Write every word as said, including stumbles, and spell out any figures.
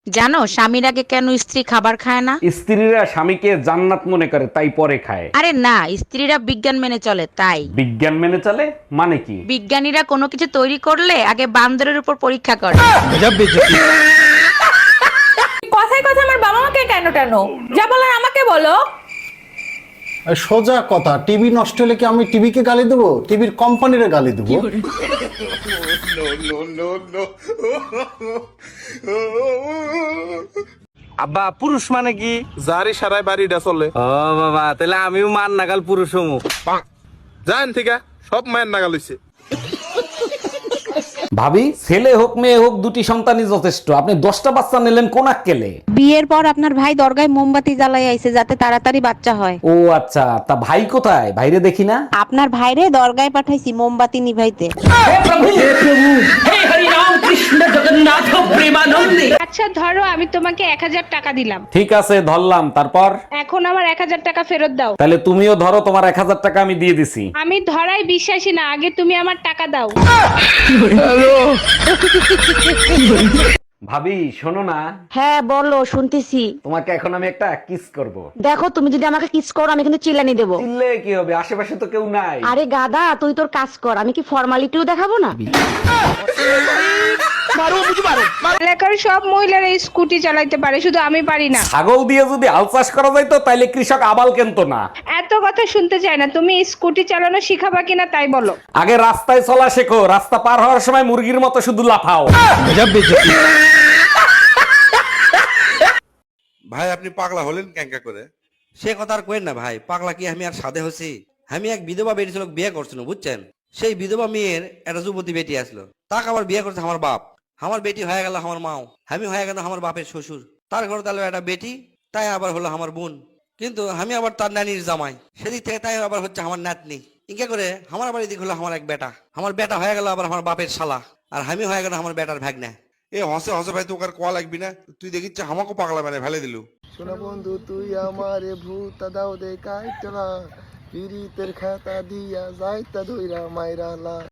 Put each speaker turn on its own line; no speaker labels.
জানো স্বামীর আগে কেন স্ত্রী খাবার খায় না?
স্ত্রীরা স্বামীকে জান্নাত মনে করে তাই পরে খায়।
আরে না, স্ত্রীরা বিজ্ঞান মেনে চলে তাই।
বিজ্ঞান মেনে চলে মানে কি?
বিজ্ঞানীরা কোনো কিছু তৈরি করলে আগে বান্দরের উপর পরীক্ষা করে।
কথায় কথা আমার বাবা মাকে কেন টানো? যা বলার আমাকে বলো।
সোজা কথা, টিভি নষ্ট হলে কি আমি টিভিকে গালি দেবো? টিভির কোম্পানিরে গালি দেবো?
আব্বা পুরুষ মানে কি?
যারই সারাই বাড়িটা চলে।
ও বাবা, তাহলে আমিও মান নাগাল পুরুষ হমু।
জান ঠিক সব মায়ের নাগাল হইছে।
ভাবি, ছেলে হোক মেয়ে হোক দুটি সন্তানই যথেষ্ট। আপনি দশটা বাচ্চা নিলেন কোন আক্কেলে?
বিয়ের পর আপনার ভাই দরগায় মোমবাতি জ্বালাই আইছে যাতে তাড়াতাড়ি বাচ্চা হয়।
ও আচ্ছা, তা ভাই কোথায়? ভাইরে দেখি না।
আপনার ভাইরে দরগায় পাঠাইছি মোমবাতি নিভাইতে।
আচ্ছা ধরো আমি তোমাকে এক হাজার টাকা দিলাম,
ঠিক আছে ধরলাম, তারপর?
এখন আমার এক হাজার টাকা ফেরত দাও।
তাহলে তুমিও ধরো, তোমার এক হাজার টাকা আমি দিয়ে দিছি।
আমি ধরাই বিশ্বাসী না, আগে তুমি আমার টাকা দাও।
ভাবি শোনো না,
হ্যাঁ বলো, শুনতেছি।
তোমাকে এখন আমি একটা কিস করব।
দেখো তুমি যদি আমাকে কিস করো আমি কিন্তু চিল্লানি দেবো।
চিল্লে কি হবে? আশেপাশে তো কেউ নাই।
আরে গাদা, তুই তোর কাজ কর, আমি কি ফর্মালিটিও দেখাবো না?
এলাকার সব মহিলারা স্কুটি চালাইতে পারে, শুধু আমি পারি না।
ছাগল দিয়ে যদি হাল চাষ করা যাইতো তাইলে কৃষক আবাল কেনতো না।
এত কথা শুনতে চাই না, তুমি স্কুটি চালানো শিখাবা কিনা তাই বলো।
আগে রাস্তায় চলা শেখো, রাস্তা পার হওয়ার সময় মুরগির মতো শুধু লাফাও।
ভাই আপনি পাগলা হলেন ক্যাঙ্কা করে?
সে কথা আর কইেন না ভাই, পাগলা কি আমি আর সাধে হচ্ছি? আমি এক বিধবা বেটি ছিল, বিয়ে করছিল বুঝছেন। সেই বিধবা মেয়ের একটা যুবতী বেটি আসলো, তাকে আবার বিয়ে করছে আমার বাপ। আমার বেটি হয়ে গেল আমার মাও, আমি হয়ে গেল আমার বাপের শ্বশুর। তার ঘরে তাহলে একটা বেটি, তাই আবার হলো আমার বোন। কিন্তু আমি আবার তার নানির জামাই, সেদিক থেকে তাই আবার হচ্ছে আমার নাতনি। ইনকা করে আমার আবার এদিক হলো আমার এক বেটা। আমার বেটা হয়ে গেল আবার আমার বাপের শালা, আর আমি হয়ে গেল আমার বেটার ভাগ্নে।
এ হসে হসে ভাই তোকে আর কোয়া লাগবি না, তুই দেখিচ্ছে আমাকে পাগলা মানে ফেলে দিলু।
শোনা বন্ধু তুই আমারে ভূত দাও দে কাইতলা পিরিতের খাতা দিয়া যাইতা ধইরা মাইরালা।